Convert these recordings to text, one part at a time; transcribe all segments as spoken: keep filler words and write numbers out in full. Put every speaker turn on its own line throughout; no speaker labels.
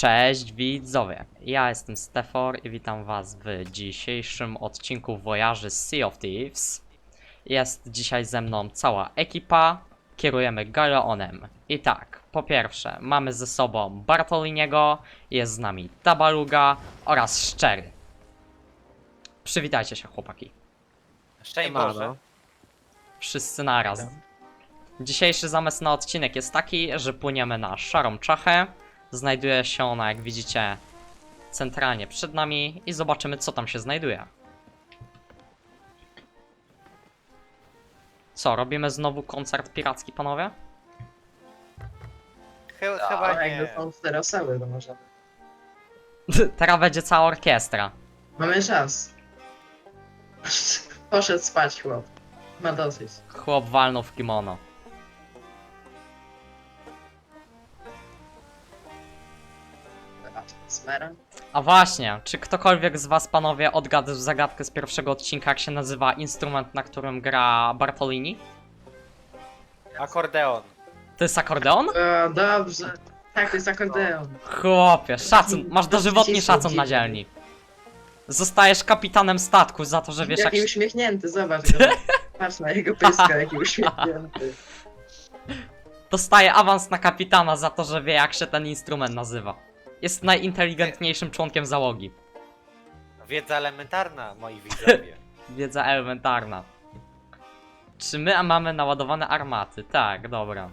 Cześć widzowie, ja jestem Stefor i witam was w dzisiejszym odcinku Wojaży z Sea of Thieves. Jest dzisiaj ze mną cała ekipa, kierujemy Galeonem. I tak, po pierwsze mamy ze sobą Bartoliniego, jest z nami Tabaluga oraz Szczery. Przywitajcie się chłopaki.
Szczęść Boże.
Wszyscy naraz. Dzisiejszy zamysł na odcinek jest taki, że płyniemy na Szarą Czachę. Znajduje się ona, jak widzicie, centralnie przed nami i zobaczymy, co tam się znajduje. Co, robimy znowu koncert piracki, panowie?
Chy
No,
chyba
ale
nie.
jakby są cztery osoby, to możemy.
Teraz będzie cała orkiestra.
Mamy czas. Poszedł spać chłop. Ma dosyć.
Chłop walnął w kimono.
Smera?
A właśnie, czy ktokolwiek z was, panowie, odgadł zagadkę z pierwszego odcinka, jak się nazywa instrument, na którym gra Bartolini?
Akordeon.
To jest akordeon?
O, dobrze. Tak, to jest akordeon.
Chłopie, szacun, masz dożywotni szacun na dzielni. Zostajesz kapitanem statku za to, że wiesz jak...
Jaki uśmiechnięty, zobacz go. Patrz na jego pyska, jaki uśmiechnięty.
Dostaje awans na kapitana za to, że wie jak się ten instrument nazywa. Jest najinteligentniejszym członkiem załogi.
Wiedza elementarna, moi widzowie.
Wiedza elementarna. Czy my mamy naładowane armaty? Tak, dobra.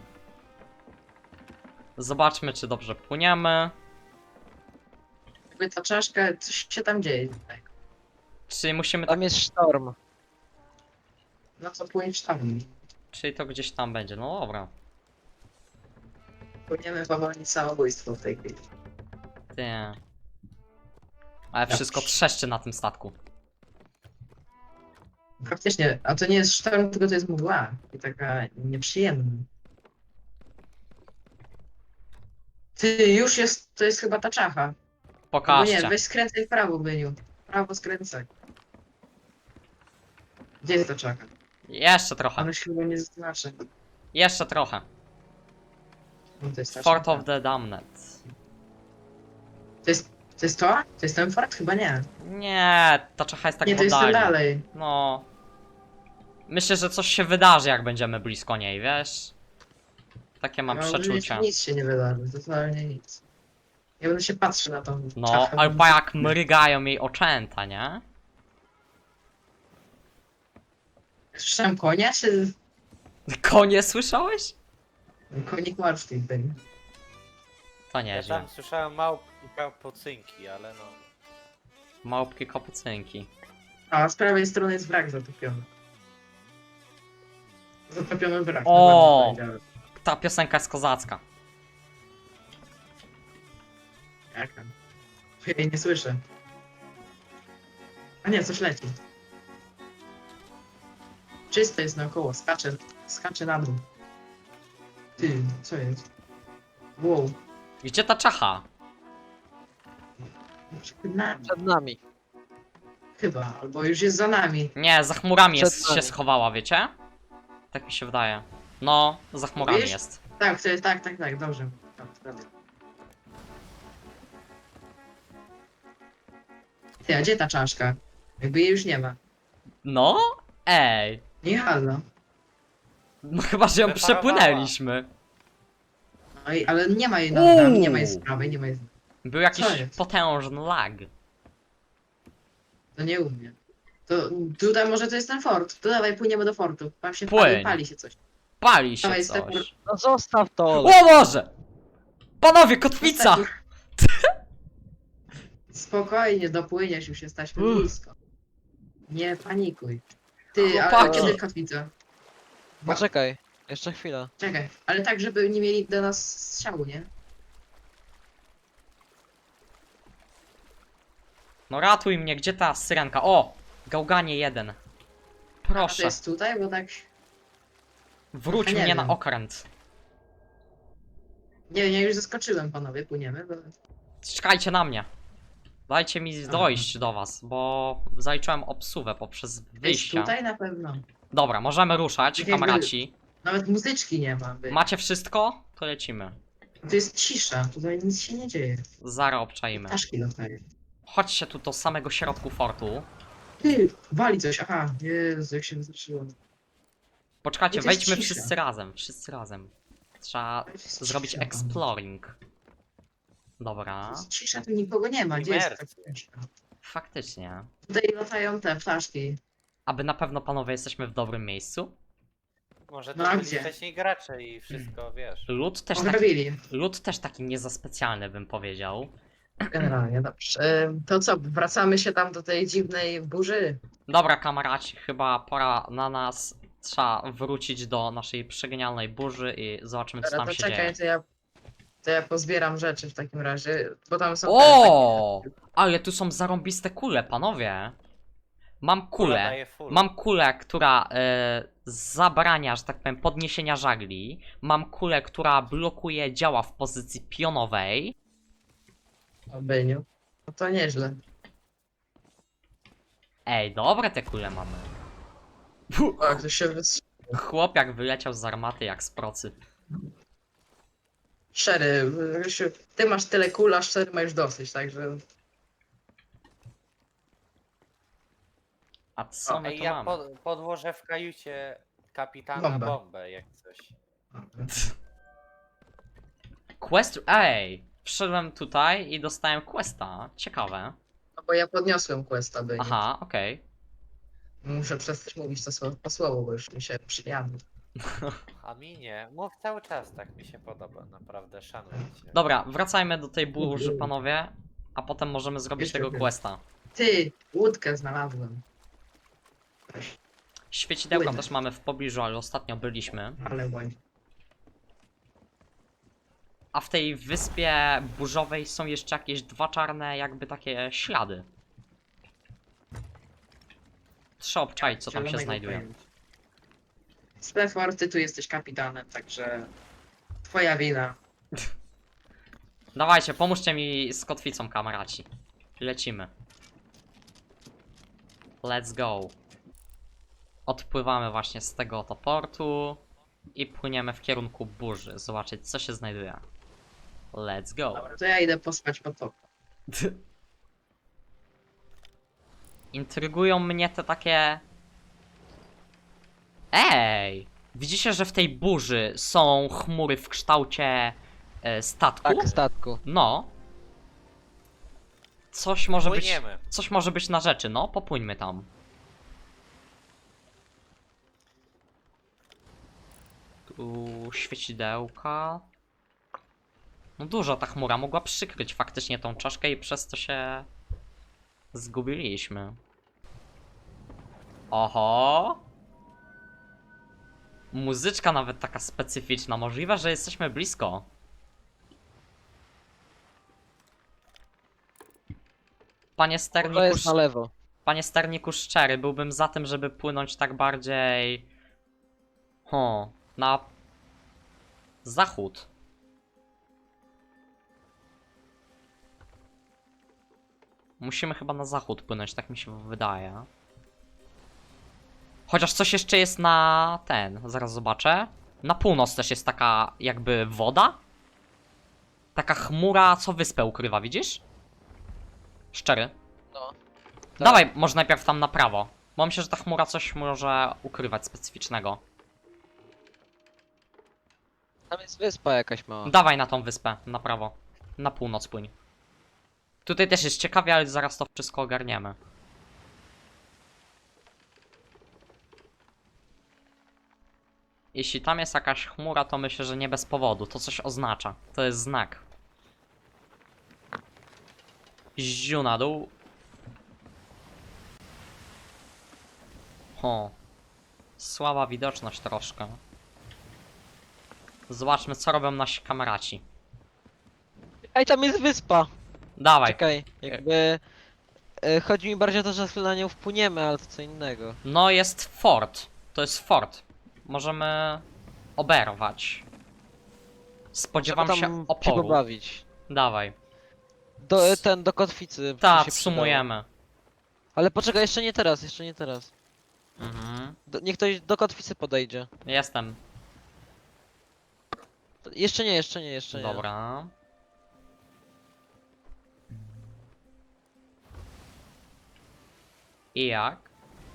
Zobaczmy, czy dobrze płyniemy.
Jakby ta czaszka, coś się tam dzieje. Tak.
Czy musimy...
Tam jest sztorm.
No co płyniesz tam?
Czyli to gdzieś tam będzie, no dobra.
Płyniemy powoli samobójstwo w tej chwili.
Ty. Ale wszystko trzeszczy na tym statku.
Faktycznie, a to nie jest sztorm, tylko to jest mgła. I taka nieprzyjemna. Ty, już jest, to jest chyba ta czacha. No nie,
Pokażcie.
weź skręcaj w prawo, Byniu. W prawo skręcaj. Gdzie jest ta czaka?
Jeszcze trochę.
Ono się chyba nie zaznaczy.
Jeszcze trochę.
No to jest ta
Fort
czaka.
of the Damned.
To jest, to jest to? To jest ten fort? Chyba nie.
Nie, ta czacha jest tak
nie,
w
to jest ten
oddali.
dalej.
No. Myślę, że coś się wydarzy, jak będziemy blisko niej, wiesz? Takie mam
No,
przeczucie.
Nic, nic się nie wydarzy, totalnie nic. Ja będę się patrzył na tą
No,
czachę.
albo jak mrygają jej oczęta, nie?
Słyszałem konia, czy
Konie słyszałeś?
konik marszczki Byniu?
To
Ja
nieźle.
tam słyszałem małpki kapucynki, ale no.
Małpki kapucynki.
A z prawej strony jest wrak zatopiony. Zatopiony wrak.
O!
no ładnie powiedziałem.
Ta piosenka jest kozacka.
Jaka? Ja jej nie słyszę. A nie, coś leci. Czyste jest naokoło, skacze, skacze na dół. Ty, co jest? Wow.
Gdzie ta czacha?
Przed nami.
Przed nami.
Chyba, albo już jest za nami.
Nie, za chmurami
Przed
jest,
nami.
się schowała, wiecie? Tak mi się wydaje. No, za chmurami
Wiesz?
jest.
Tak, to jest, tak, tak, tak, dobrze. Tak, prawda. Ty, a gdzie ta czaszka? Jakby jej już nie ma.
No? Ej.
Nie halo.
No chyba, że ją
Wyparowała.
przepłynęliśmy.
No i, ale nie ma jej nad
Uuu.
nami, nie ma jej z prawej, nie ma jej z...
Był jakiś
Co jest?
potężny lag.
To nie umie. To tutaj może to jest ten fort. To dawaj, płyniemy do fortu. Tam się
Płyń.
pali, pali się coś.
Pali się
Dawaj,
coś.
Stefan.
No zostaw to!
O Boże! Panowie, kotwica!
Spokojnie, dopłyniesz, już jesteśmy
Uff.
blisko. Nie panikuj. Ty, ale
Chłopaki.
kiedy kotwica?
Poczekaj, jeszcze chwilę.
Czekaj, ale tak, żeby nie mieli do nas strzału, nie?
No ratuj mnie, gdzie ta syrenka? O! Gałganie jeden.
A to
Proszę,
jest tutaj, bo tak...
wróć
Ja nie
mnie na
wiem.
okręt.
Nie, ja już zaskoczyłem, panowie, płyniemy, bo...
Czekajcie na mnie. Dajcie mi dojść do was, bo zaliczyłem obsuwę poprzez
Jest
wyjścia.
tutaj na pewno.
Dobra, możemy ruszać,
Tak jakby-
kamraci.
Nawet muzyczki nie ma. By.
Macie wszystko? To lecimy.
To jest cisza, tutaj nic się nie dzieje.
Zara obczajmy.
Ptaszki latają.
Chodźcie tu do samego środku fortu.
Ty, wali coś, aha, Jezu, jak się wystraszyłem.
Poczekajcie,
To jest
wejdźmy
cisza.
wszyscy razem, wszyscy razem. Trzeba
To jest
zrobić
cisza,
exploring.
To
Dobra,
jest cisza, tu nikogo nie ma, gdzie jest ta
Imersja.
cisza?
faktycznie.
Tutaj latają te ptaszki.
Aby na pewno panowie jesteśmy w dobrym miejscu.
Może
No
to
a
byli
gdzie?
wcześniej gracze i wszystko, wiesz.
Lód też, taki,
Ograbili,
lód też taki nie za specjalny bym powiedział.
generalnie, dobrze. E, To co, wracamy się tam do tej dziwnej burzy?
Dobra kamaraci, chyba pora na nas. Trzeba wrócić do naszej przegenialnej burzy i zobaczymy co
Dobra,
tam
to
się
czekaj,
dzieje.
to ja, to ja pozbieram rzeczy w takim razie, bo tam są te
O! Ale tu są zarąbiste kule, panowie. Mam
Kula
kulę.
daje full.
Mam kulę, która e, zabrania, że tak powiem, podniesienia żagli. Mam kulę, która blokuje działa w pozycji pionowej.
takie- O, Byniu. No to nieźle.
Ej, dobre te kule mamy. Fu,
O, jak to się wystrzelił.
chłop jak wyleciał z armaty, jak z procy.
Szczery, Rysiu, ty masz tyle kul, a szczery ma już dosyć, także...
A co
O,
my
Ej,
tu
ja
mamy?
pod, podłożę w kajucie kapitana
Bombę.
bombę, jak coś.
Quest... Ej! Wszedłem tutaj i dostałem questa. Ciekawe.
No bo ja podniosłem questa, Byniu.
Aha, okej.
Muszę przestać mówić to słowo po słowo, bo już mi się przyjadło.
A mi nie. Mów cały czas, tak mi się podoba, naprawdę, szanuję cię.
Dobra, wracajmy do tej burzy, panowie. A potem możemy zrobić
Jeszcze
tego
chwilę.
questa.
Ty, łódkę znalazłem.
Świecidełka
Płynę.
też mamy w pobliżu, ale ostatnio byliśmy.
Ale łań.
A w tej wyspie burzowej są jeszcze jakieś dwa czarne, jakby takie ślady. Trzeba obczaić, co tam się
Zielonego
znajduje.
pojęcia. Stefor, ty tu jesteś kapitanem, także... Twoja wina.
Dawajcie, pomóżcie mi z kotwicą, kamraci. Lecimy. Let's go. Odpływamy właśnie z tego oto portu i płyniemy w kierunku burzy, zobaczyć co się znajduje. Let's go.
Dobra, to ja idę pospać po to.
Intrygują mnie te takie... Ej! Widzicie, że w tej burzy są chmury w kształcie e, statku?
Tak, statku.
No. Coś może być...
Płyniemy.
Coś może być na rzeczy, no. Popłyńmy tam. Tu świecidełka. No duża ta chmura, mogła przykryć faktycznie tą czaszkę i przez to się zgubiliśmy. Oho! Muzyczka nawet taka specyficzna, możliwe, że jesteśmy blisko. Panie
To
sterniku,
jest na lewo.
panie sterniku szczery, byłbym za tym, żeby płynąć tak bardziej... Ho, na... zachód. Musimy chyba na zachód płynąć, tak mi się wydaje. Chociaż coś jeszcze jest na ten, zaraz zobaczę. Na północ też jest taka jakby woda. Taka chmura, co wyspę ukrywa, widzisz? Szczery.
No.
Dawaj, może najpierw tam na prawo. Bo myślę, że ta chmura coś może ukrywać specyficznego.
Tam jest wyspa jakaś mała.
Dawaj na tą wyspę, na prawo. Na północ płyń. Tutaj też jest ciekawie, ale zaraz to wszystko ogarniemy. Jeśli tam jest jakaś chmura, to myślę, że nie bez powodu. To coś oznacza. To jest znak. Ziu na dół. Ho. Słaba widoczność troszkę. Zobaczmy, co robią nasi kameraci.
Ej, tam jest wyspa!
Dawaj.
Czekaj, jakby... e, Chodzi mi bardziej o to, że chwilę na nią wpłyniemy, ale to co innego.
No jest fort. To jest fort. Możemy oberwać. Spodziewam
Trzeba
się
tam się
oporu.
pobawić.
Dawaj.
Do, e, ten, do kotwicy. by
Tak,
się
sumujemy.
przydało. Ale poczekaj, jeszcze nie teraz, jeszcze nie teraz.
Mhm.
Do, niech ktoś do kotwicy podejdzie.
Jestem.
To jeszcze nie, jeszcze nie, jeszcze nie.
Dobra. I jak?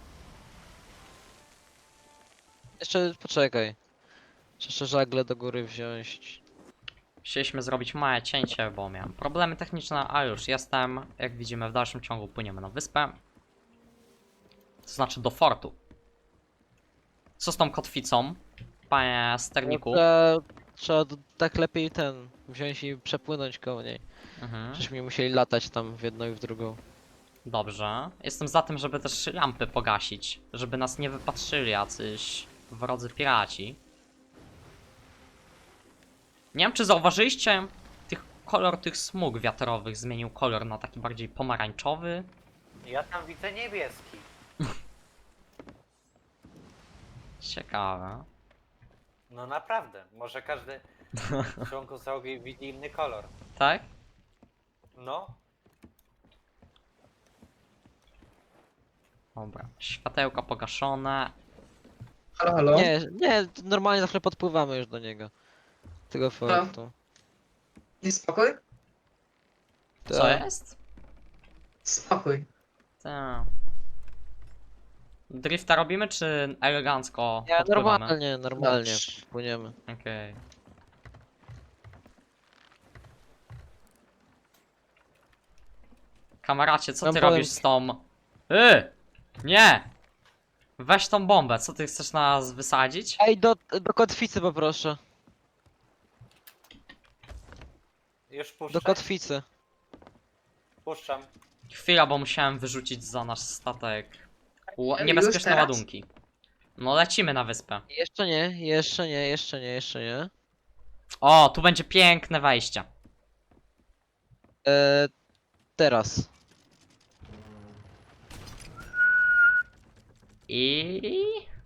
Jeszcze poczekaj. Jeszcze żagle do góry wziąć.
Chcieliśmy zrobić małe cięcie, bo miałem problemy techniczne, a już jestem. Jak widzimy, w dalszym ciągu płyniemy na wyspę. To znaczy do fortu. Co z tą kotwicą, panie sterniku?
No, trzeba, trzeba d- tak lepiej ten wziąć i przepłynąć koło niej.
Mhm.
Żeśmy musieli latać tam w jedną i w drugą.
Dobrze. Jestem za tym, żeby też lampy pogasić. Żeby nas nie wypatrzyli jacyś wrodzy piraci. Nie wiem, czy zauważyliście, tych kolor tych smug wiatrowych zmienił kolor na taki bardziej pomarańczowy.
Ja tam widzę niebieski.
Ciekawe.
No naprawdę, może każdy członku załogi widzi inny kolor.
Tak?
No,
Dobra. Światełka pogaszone.
Halo, halo?
Nie, nie, normalnie zawsze podpływamy już do niego. Tego fortu.
Jest spokój?
Co
Tak.
jest?
Spokój.
Tak. Drifta robimy, czy elegancko
Nie,
podpływamy?
normalnie, normalnie
Dobrze.
płyniemy.
Okej. Kameracie, co
Wam
ty
powiem-
robisz z tą... Yy! Nie! Weź tą bombę, co ty chcesz nas wysadzić?
Ej, do, do kotwicy poproszę.
już
Do
puszczam.
kotwicy.
Puszczam.
Chwila, bo musiałem wyrzucić za nasz statek ła-
Już
niebezpieczne
teraz?
ładunki. No lecimy na wyspę.
Jeszcze nie, jeszcze nie, jeszcze nie, jeszcze nie.
O, tu będzie piękne wejście.
Eee, teraz.
I...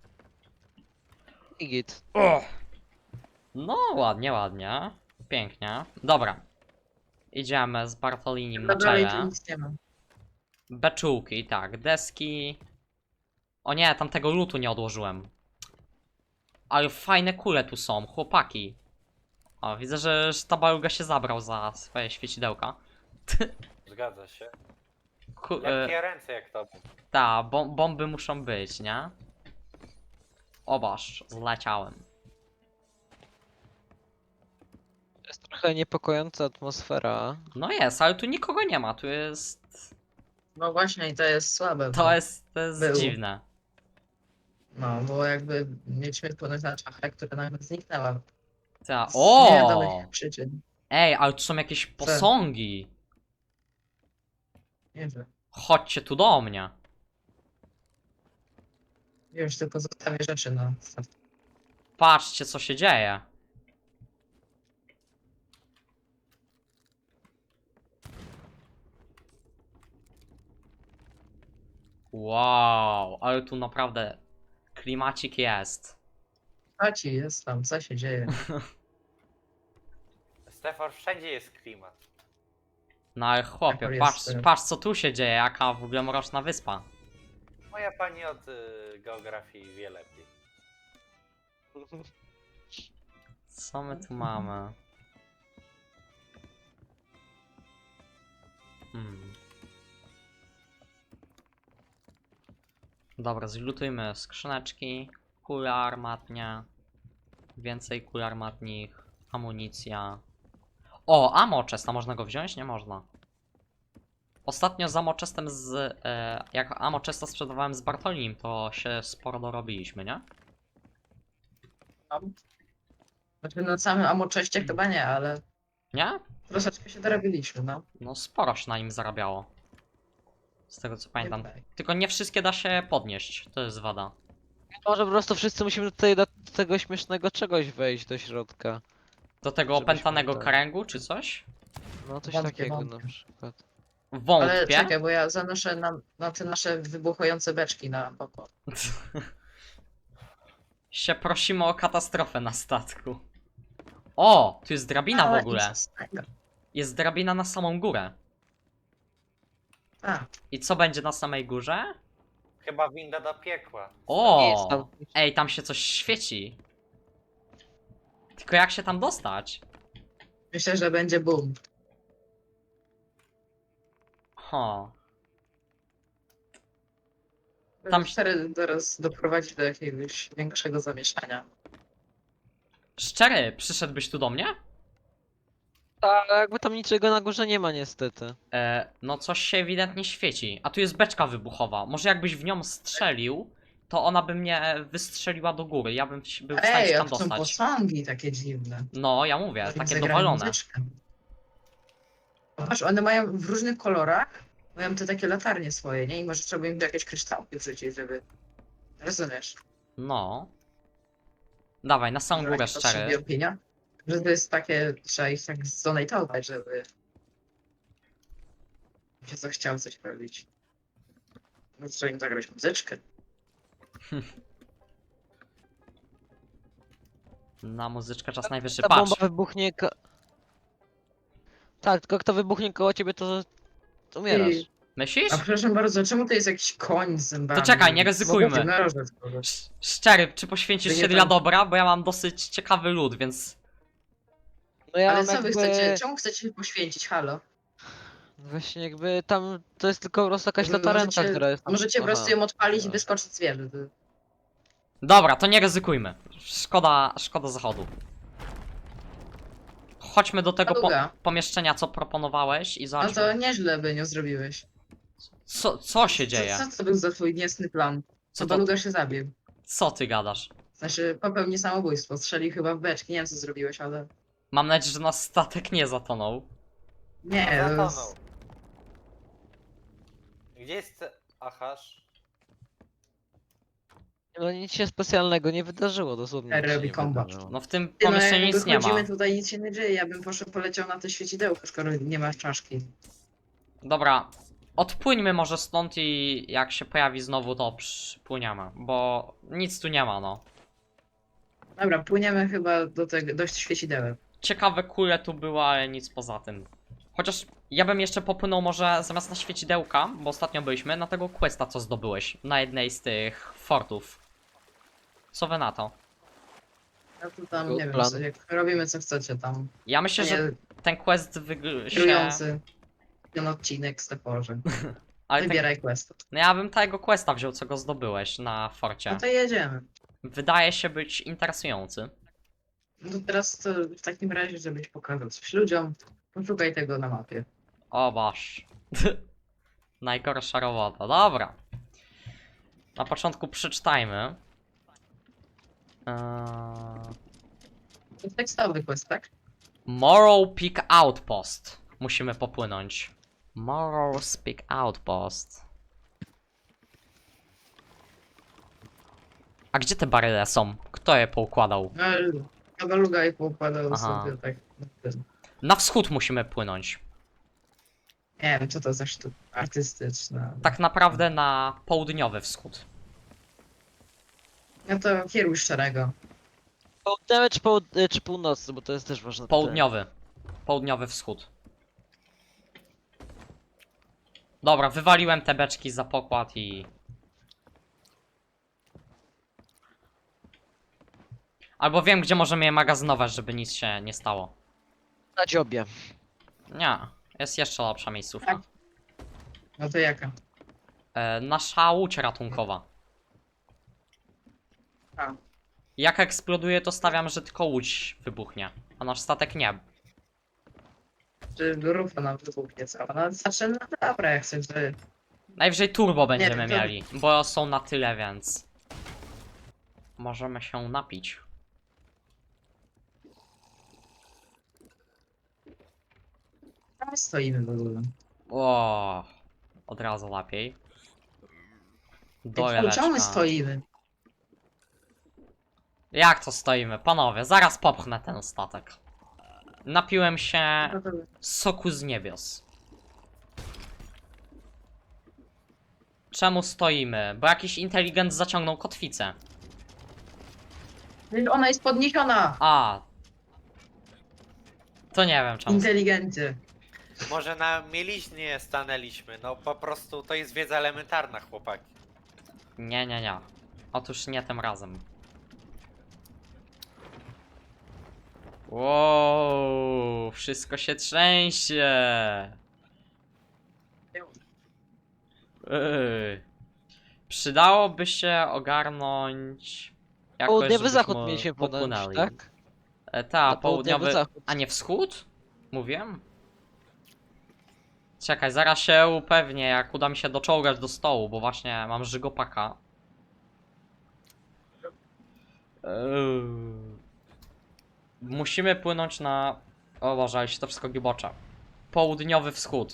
I git.
O! No, ładnie, ładnie. Pięknie. Dobra. Idziemy z Bartolinim na
No dalej tu
czele.
nic nie ma.
Beczułki, tak, deski. O nie, tamtego lutu nie odłożyłem. Ale fajne kule tu są, chłopaki. O, widzę, że sztabaluga się zabrał za swoje świecidełka.
Zgadza się.
Ku, e,
Lekkie ręce jak to.
ta, bom bomby muszą być, nie? Obaż, zleciałem.
To jest trochę niepokojąca atmosfera.
No jest, ale tu nikogo nie ma, tu jest...
No właśnie i to jest słabe.
To
bo-
jest, to jest
Był.
dziwne.
No, bo jakby mieliśmy wpłynąć na czachę, która nagle zniknęła.
Ta,
Z
o!
niewiadomych przyczyn.
Ej, ale tu są jakieś posągi.
Nie wiem.
Chodźcie tu do mnie.
Już tylko zostawię rzeczy na statku.
Patrzcie, co się dzieje. Wow, ale tu naprawdę klimacik jest.
Chodź, jest tam, co się dzieje?
Stefan, wszędzie jest klimat.
No ale chłopie,
Jakor
patrz,
jest, y-
patrz co tu się dzieje, jaka w ogóle mroczna wyspa.
Moja pani od y, geografii wie lepiej.
Co my tu mamy? Hmm. Dobra, zlutujmy skrzyneczki, kule armatnie, więcej kul armatnich, amunicja. O, ammo chest, a można go wziąć? Nie można. Ostatnio z ammo chestem z... E, jak ammo chesta sprzedawałem z Bartolinim, to się sporo dorobiliśmy, nie?
Tam. Znaczy na samym amoczeście chyba nie, ale
Nie?
troszeczkę się dorobiliśmy, no.
No sporo się na nim zarabiało. Z tego co pamiętam.
Tutaj.
Tylko nie wszystkie da się podnieść, to jest wada.
Może po prostu wszyscy musimy tutaj do tego śmiesznego czegoś wejść do środka.
Do tego
Żebyśmy
opętanego
tak-
kręgu, czy coś?
No coś
Wątpię,
takiego
wątpię.
na przykład.
Ale
Wątpię.
czekaj, bo ja zanoszę na, na te nasze wybuchające beczki na poko.
się prosimy o katastrofę na statku. O, tu jest drabina w
Ale
ogóle.
nic z tego.
Jest drabina na samą górę.
A,
I co będzie na samej górze?
Chyba winda do piekła.
O!
Jest tam.
Ej, tam się coś świeci. Tylko jak się tam dostać?
Myślę, że będzie boom.
Ho. Tam
Tam
się-
cztery teraz doprowadzi do jakiegoś większego zamieszania.
Szczery, przyszedłbyś tu do mnie?
Tak, ale jakby tam niczego na górze nie ma niestety.
E, no coś się ewidentnie świeci. A tu jest beczka wybuchowa. Może jakbyś w nią strzelił, to ona by mnie wystrzeliła do góry. Ja bym się- był w stanie
Ej,
się
a
tam
to są
dostać.
posągi takie dziwne.
No, ja mówię,
Może
takie
zagrają
dowalone.
muzyczkę. Patrz, one mają w różnych kolorach, mają te takie latarnie swoje, nie? I może trzeba im jakieś kryształki wrzucić, żeby... Rozumiesz?
No. Dawaj, na samą
Może
górę
jakieś potrzebne
szczery.
opinia? Że to jest takie, trzeba ich tak zdonatować, żeby... się zachciał coś robić. No trzeba im zagrać muzyczkę.
Na muzyczkę czas najwyższy.
Ta
Patrz.
bomba wybuchnie ko... Tak, tylko kto wybuchnie koło ciebie, to, to umierasz.
Ty,
Myślisz?
a przepraszam bardzo, czemu to jest jakiś koń z zębami?
To czekaj, nie ryzykujmy.
Jednorożec może.
Sz- Szczery, czy poświęcisz
To nie
się
tam-
dla dobra? Bo ja mam dosyć ciekawy lód, więc...
No ja
Ale
mam
co wy
jakby...
chcecie, czemu chcecie się poświęcić, halo?
Właśnie jakby tam to jest tylko po prostu jakaś
Jakby
latarenka,
możecie-
która jest
A
tam.
możecie po
Aha.
prostu ją odpalić i
Dobra.
wyskoczyć z wieży. to-
Dobra, to nie ryzykujmy. Szkoda, szkoda zachodu. Chodźmy do tego po
Paluga.
pomieszczenia, co proponowałeś i
No
zobaczmy.
to nieźle by nie zrobiłeś.
Co, co się dzieje?
Co, co to był za twój niecny plan?
Co
Co
to-
Baluga się zabił.
Co ty gadasz?
Znaczy, popełni samobójstwo, strzelił chyba w beczki, nie wiem co zrobiłeś, ale...
Mam nadzieję, że nasz statek nie zatonął.
Nie,
No,
to
zatonął.
jest...
Gdzie jest Ahasz?
No nic się specjalnego nie wydarzyło, dosłownie. nic się
Robi
nie
combat.
wydarzyło.
No w tym
Ty, no
pomieszczeniu
jak
nic nie ma.
wychodzimy tutaj, nic się nie dzieje, ja bym poszedł, poleciał na to świecidełko, skoro nie masz czaszki.
Dobra, odpłyńmy może stąd i jak się pojawi znowu, to przypłyniemy, bo nic tu nie ma, no.
Dobra, płyniemy chyba do tego, do świecidełek.
Ciekawe kule tu były, ale nic poza tym. Chociaż ja bym jeszcze popłynął może zamiast na świecidełka, bo ostatnio byliśmy, na tego questa, co zdobyłeś na jednej z tych fortów. Co wy na to?
No to tam,
Good
nie wiem,
plan.
co, jak robimy co chcecie tam.
Ja myślę, że
Nie,
ten quest wygl- się...
kierujący ten odcinek z Teporze.
Ale ten...
Wybieraj quest.
No ja bym tego questa wziął, co go zdobyłeś na forcie.
No to jedziemy.
Wydaje się być interesujący.
No to teraz to w takim razie, żebyś pokazał coś ludziom, poszukaj tego na mapie.
O basz. Najgorsza robota. Dobra. Na początku przeczytajmy. Eee...
To jest tekstowy quest, tak?
Morrow Peak Outpost. Musimy popłynąć. Morrow's Peak Outpost. A gdzie te baryle są? Kto je poukładał?
No, Kabaluga i poukładał
Aha.
sobie tak. na tym.
Na wschód musimy płynąć.
Nie wiem, co to za sztuka artystyczna.
Tak naprawdę na południowy wschód.
No to kieruj szczerego.
Południowy czy, połud y, czy północny, bo to jest też ważne. pytanie.
Południowy. Południowy wschód. Dobra, wywaliłem te beczki za pokład i... Albo wiem, gdzie możemy je magazynować, żeby nic się nie stało.
Na dziobie.
Nie, jest jeszcze lepsza miejscówka.
Tak. No to jaka?
E, nasza łódź ratunkowa.
A,
Jak eksploduje, to stawiam, że tylko łódź wybuchnie, a nasz statek nie.
czy rufa nam wybuchnie cała. No znaczy, no dobra, jak chcesz, że...
Najwyżej turbo będziemy
wiem, to-
mieli, bo są na tyle, więc... Możemy się napić.
Tam stoimy w ogóle.
O, od razu lepiej.
Ej, Czemu my
Doleweczka.
stoimy?
Jak to stoimy? Panowie, zaraz popchnę ten statek. Napiłem się
No to...
soku z niebios. Czemu stoimy? Bo jakiś inteligent zaciągnął kotwicę.
Przecież ona jest podniesiona!
A. To nie wiem czemu.
Inteligencie.
Może na mieliźnie stanęliśmy, no po prostu to jest wiedza elementarna, chłopaki.
Nie, nie, nie. Otóż nie tym razem. Wow, wszystko się trzęsie. Ej. Przydałoby się ogarnąć jakoś,
Południowy zachód
żebyśmy
mieliśmy ponoć,
popłynęli.
tak?
E, ta,
Na południowy
południowy...
zachód.
A nie wschód? Mówiłem? Czekaj, zaraz się upewnię, jak uda mi się doczołgać do stołu, bo właśnie mam żygopaka. Eee. Musimy płynąć na... O Boże, ale się to wszystko gibocze. Południowy wschód.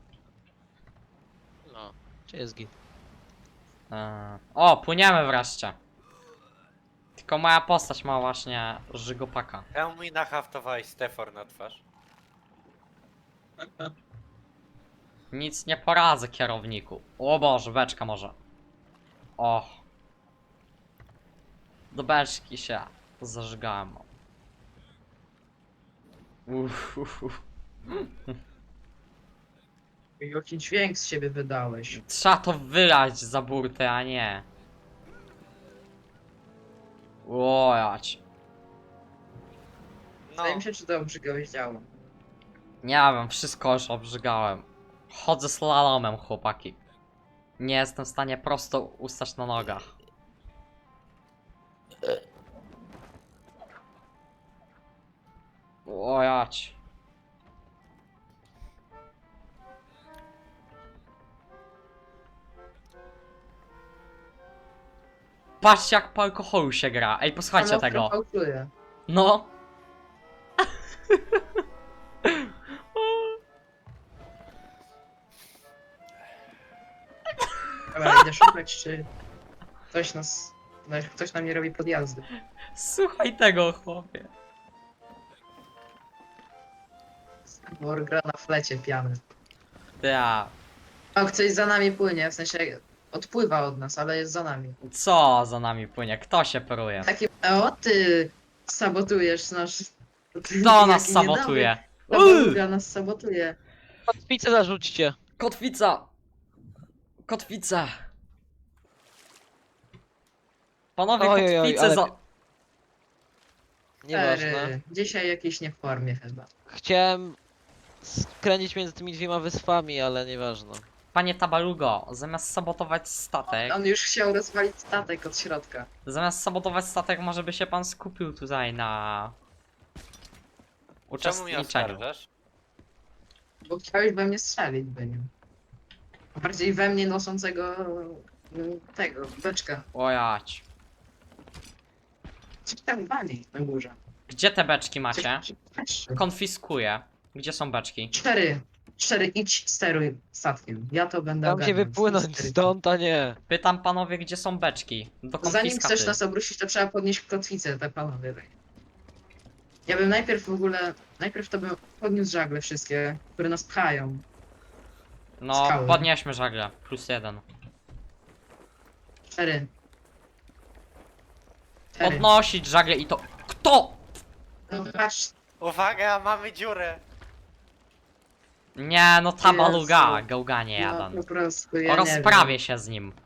No, czy jest git?
Eee. O, płyniemy wreszcie. Tylko moja postać ma właśnie żygopaka.
Czemu mi nahaftowałeś Stefor na twarz?
Nic nie poradzę, kierowniku. O Boże, beczka może. O. Do beczki się zażygałem. Uff, uff, uff.
Jaki dźwięk z siebie wydałeś.
Trzeba to wylać za burtę, a nie. Łojać.
No,
Zdaje mi się, czy to obrzygałeś działo.
Nie wiem, wszystko już obrzygałem. Chodzę slalomem, chłopaki. Nie jestem w stanie prosto ustać na nogach. Łojać. Patrzcie, jak po alkoholu się gra. Ej, posłuchajcie
Ale
tego.
fałszuję.
No.
Dobra, idę szukać, czy ktoś nas... no, Ktoś na mnie robi podjazdy.
Słuchaj tego, chłopie.
Bor gra na flecie piany.
Ja.
O, ktoś za nami płynie, w sensie odpływa od nas, ale jest za nami.
Co za nami płynie? Kto się peruje?
Takie, o ty sabotujesz nasz...
Kto nas sabotuje?
Ta
Uuu!
baluga nas sabotuje.
Kotwicę zarzućcie.
Kotwica! Kotwica! Panowie,
Oj, oj, oj,
kotwicę
ale-
za...
Nieważne.
Ery, dzisiaj jakiś nie w formie chyba.
Chciałem skręcić między tymi dwiema wyspami, ale nieważne.
Panie Tabalugo, zamiast sabotować statek...
On już chciał rozwalić statek od środka.
Zamiast sabotować statek, może by się pan skupił tutaj na...
czemu mnie
uczestniczeniu.
oskarżasz?
Bo chciałeś we mnie strzelić, by nim. Bardziej we mnie noszącego mm, tego, beczka.
Ojać.
Co tam wali na górze?
Gdzie te beczki macie?
Patrz.
Konfiskuję. Gdzie są beczki?
Cztery. Cztery, idź steruj statkiem. Ja to będę
Dam się
ogarniał.
wypłynąć
Cztery.
stąd, a nie.
Pytam panowie, gdzie są beczki? Do
Zanim
konfiskaty.
chcesz nas obrócić, to trzeba podnieść kotwicę, te panowie. Ja bym najpierw w ogóle, najpierw to bym podniósł żagle wszystkie, które nas pchają.
No,
skały.
podnieśmy żagle. Plus jeden.
Cztery. Cztery.
Podnosić żagle i to... Kto?
No patrz,
Uwaga, mamy dziurę!
Nie, no Tabaluga,
Jezu.
gałganie
no
jeden.
po prostu, ja
O
nie
rozprawię się z nim.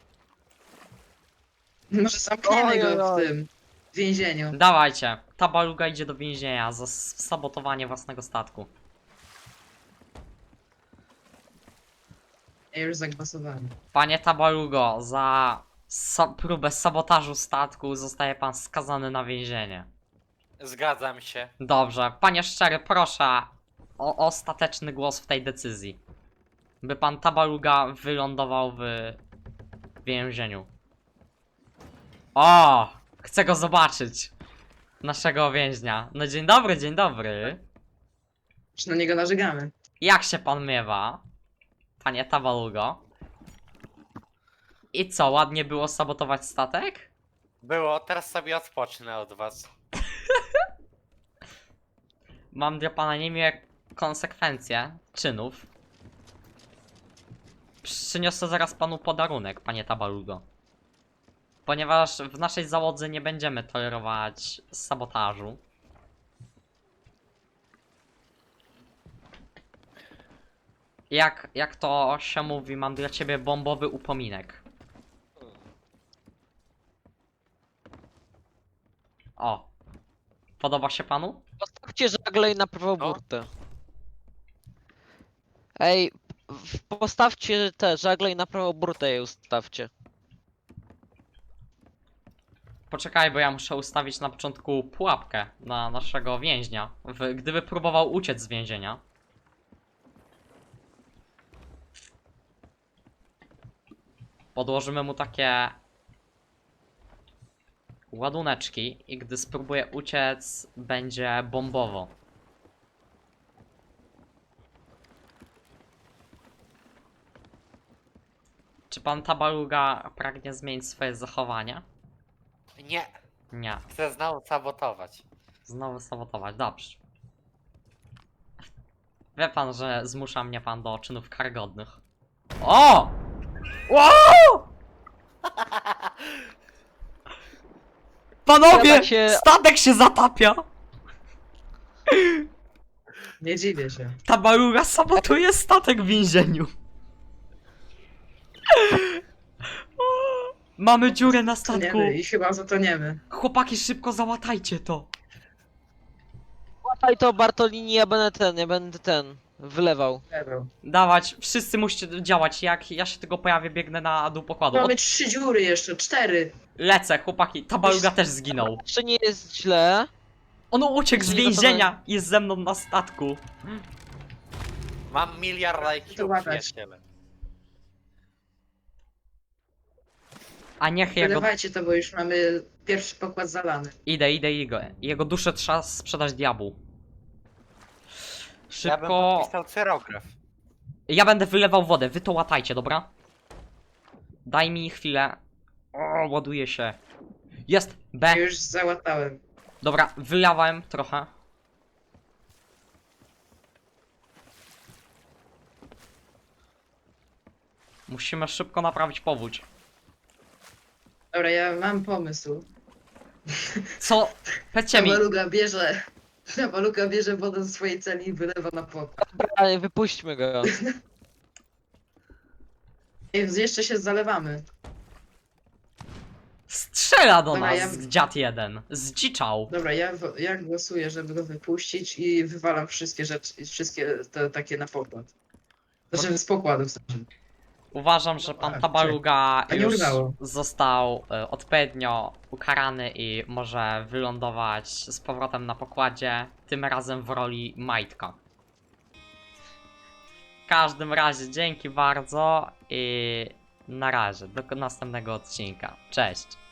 wiem. Może zamkniemy
Oj,
go
oj,
w
oj.
tym więzieniu.
Dawajcie, Tabaluga idzie do więzienia za s- sabotowanie własnego statku.
Ja już zagłosowałem.
Panie Tabalugo, za sa próbę sabotażu statku zostaje pan skazany na więzienie.
Zgadzam się.
Dobrze, panie Szczery, proszę o ostateczny głos w tej decyzji. By pan Tabaluga wylądował w więzieniu. O! Chcę go zobaczyć. Naszego więźnia. No dzień dobry, dzień dobry.
Czy na niego narzegamy?
Jak się pan miewa? Panie Tabalugo. I co, ładnie było sabotować statek?
Było, teraz sobie odpocznę od was.
Mam dla pana niemiłe konsekwencje czynów. Przyniosę zaraz panu podarunek, panie Tabalugo. Ponieważ w naszej załodze nie będziemy tolerować sabotażu. Jak, jak to się mówi, mam dla ciebie bombowy upominek. O. Podoba się panu?
Postawcie żagle i na prawą
No.
burtę. Ej, w- postawcie te żagle i na prawą burtę je ustawcie.
Poczekaj, bo ja muszę ustawić na początku pułapkę na naszego więźnia. W, gdyby próbował uciec z więzienia. Podłożymy mu takie ładuneczki i gdy spróbuje uciec, będzie bombowo. Czy pan Tabaluga pragnie zmienić swoje zachowanie?
Nie,
Nie.
chcę znowu sabotować.
Znowu sabotować, dobrze. Wie pan, że zmusza mnie pan do czynów karygodnych. O! Wow! Panowie!
Ja tak się-
Statek się zatapia!
Nie dziwię się.
Tabaluga sabotuje statek w więzieniu. O! Mamy dziurę na statku.
Toniemy i chyba zatoniemy.
Chłopaki, szybko załatajcie to.
Łapaj to Bartolini, ja będę ten, ja będę ten, wylewał.
Lewo.
Dawać, wszyscy musicie działać. Jak ja się tylko pojawię, biegnę na dół pokładu.
Mamy
Od...
trzy dziury jeszcze, cztery.
Lecę, chłopaki. Tabaluga też zginął.
Jeszcze nie jest źle.
On uciekł z
Nie, no to
więzienia i jest ze mną na statku.
Mam miliard
To
I Q,
łapać.
przyjaciele.
A niech jego...
Wylewajcie to, bo już mamy pierwszy pokład zalany.
Idę, idę, idę. Jego duszę trzeba sprzedać diabłu.
Ja bym
Szybko...
podpisał cyrograf.
Ja będę wylewał wodę, wy to łatajcie, dobra? Daj mi chwilę. O, ładuje się. Jest! B.
Już załatałem.
Dobra, wylewałem trochę. Musimy szybko naprawić powódź.
Dobra, ja mam pomysł.
Co? Powiedzcie mi.
Tabaluga bierze... Tabaluga bierze wodę ze swojej celi i wylewa na pokład.
Dobra, wypuśćmy go.
Ej, jeszcze się zalewamy.
Strzela do
Dobra,
nas
ja-
dziad jeden. Zdziczał.
Dobra, ja, w- ja głosuję, żeby go wypuścić i wywalam wszystkie rzeczy, wszystkie te takie na pokład. Znaczy z pokładu w sensie.
Uważam, że pan
A,
Tabaluga
A nie
już
udało.
został e, odpowiednio ukarany i może wylądować z powrotem na pokładzie, tym razem w roli majtka. W każdym razie dzięki bardzo i na razie, do następnego odcinka. Cześć!